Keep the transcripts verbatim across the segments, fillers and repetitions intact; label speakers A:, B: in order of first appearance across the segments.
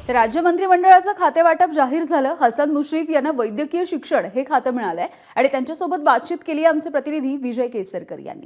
A: तर राज्य मंत्रिमंडळाचं खातेवाटप जाहीर झालं। हसन मुश्रीफ यांना वैद्यकीय शिक्षण हे खातं मिळालंय आणि त्यांच्यासोबत बातचीत केली आमचे प्रतिनिधी विजय केसरकर यांनी।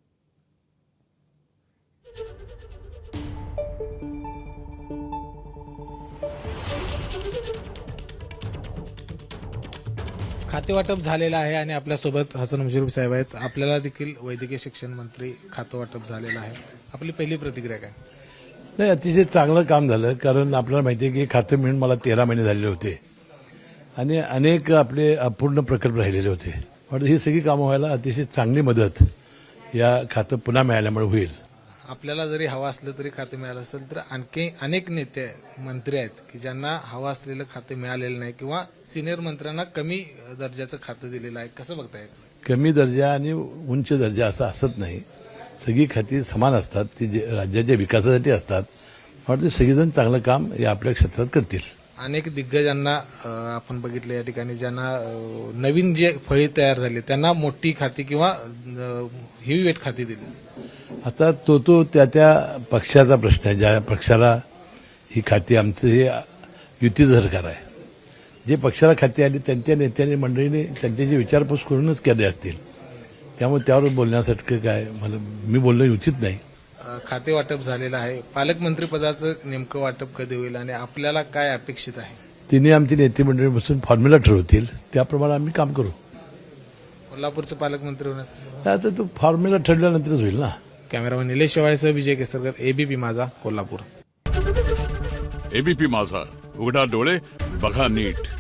B: खातेवाटप झालेलं आहे आणि आपल्यासोबत हसन मुश्रीफ साहेब आहेत। आपल्याला देखील वैद्यकीय शिक्षण मंत्री खातेवाटप झालेलं आहे। आपली पहिली प्रतिक्रिया काय?
C: नाही, अतिशय चांगलं काम झालं, कारण आपल्याला माहिती आहे की खातं मिळून मला तेरा महिने झालेले होते आणि अनेक आपले अपूर्ण प्रकल्प राहिलेले होते। पण ही सगळी कामं व्हायला अतिशय चांगली मदत या खातं पुन्हा मिळाल्यामुळे होईल।
B: आपल्याला जरी हवा असलं तरी खाते मिळालं असेल तर आणखी अनेक नेते मंत्री आहेत की ज्यांना हवा असलेलं खाते मिळालेलं नाही किंवा सिनियर मंत्र्यांना कमी दर्जाचं खातं दिलेलं आहे। कसं बघताय?
C: कमी दर्जा आणि उंच दर्जा असं असत नाही, सगळी खाती समान असतात, ती जे राज्याच्या विकासासाठी असतात। वाटतं सगळेजण चांगलं काम या आपल्या क्षेत्रात करतील।
B: अनेक दिग्गजांना आपण बघितलं या ठिकाणी, ज्यांना नवीन जे फळी तयार झाली त्यांना मोठी खाती किंवा हेवी वेट खाती दिली।
C: आता तो तो त्या त्या पक्षाचा प्रश्न आहे। ज्या पक्षाला ही खाती, आमचं हे युतीचं सरकार आहे, जे पक्षाला खाती आली त्यांच्या नेत्यांनी मंडळीने त्यांच्याची विचारपूस करूनच केले असतील, त्यामुळे त्यावर बोलण्यासाठी काय मला मी बोलणं उचित नाही।
B: खाते वाटप झालेलं आहे, पालकमंत्री पदाचं नेमकं वाटप कधी होईल आणि आपल्याला काय अपेक्षित आहे?
C: तिने आमची नेते मंडळी बसून फॉर्म्युला ठरवतील, त्याप्रमाणे आम्ही काम करू।
B: कोल्हापूरचं पालकमंत्री होण्यास
C: आता तो फॉर्म्युला ठरल्यानंतरच होईल ना।
B: कॅमेरामॅन निलेश शेवाळेसह विजय केसरकर, एबीपी माझा, कोल्हापूर।
D: एबीपी माझा, उघडा डोळे बघा नीट।